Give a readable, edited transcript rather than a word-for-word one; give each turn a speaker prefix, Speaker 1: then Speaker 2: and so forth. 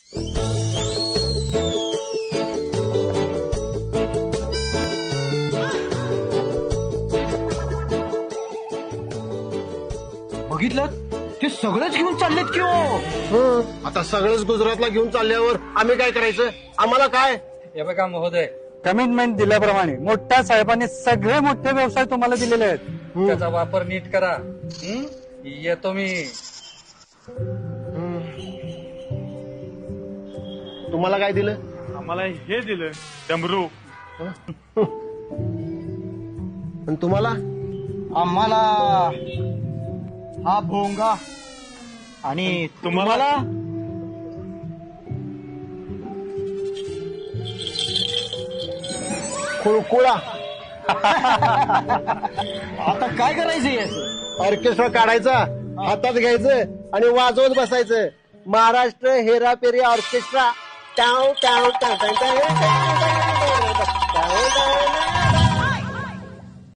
Speaker 1: बघितलं ते सगळंच घेऊन चाललेत की हो.
Speaker 2: आता सगळंच गुजरातला घेऊन चालल्यावर आम्ही काय करायचं? आम्हाला काय?
Speaker 3: हे बघा महोदय,
Speaker 4: कमिटमेंट दिल्याप्रमाणे मोठ्या साहेबांनी सगळे मोठे व्यवसाय तुम्हाला दिलेले आहेत.
Speaker 3: त्याचा वापर नीट करा. येतो मी.
Speaker 2: तुम्हाला काय दिलं?
Speaker 5: आम्हाला हे दिलं डमरू.
Speaker 2: आणि तुम्हाला?
Speaker 1: आम्हाला हा भोंगा आणि तुम्हाला
Speaker 2: खुळकुळा.
Speaker 1: आता काय करायचं याचं?
Speaker 2: ऑर्केस्ट्रा काढायचा, हातात घ्यायचं आणि वाजवत बसायचं. महाराष्ट्र हेरापेरी ऑर्केस्ट्रा. टाव टाव टाव टाव टाव टाव टाव टाव.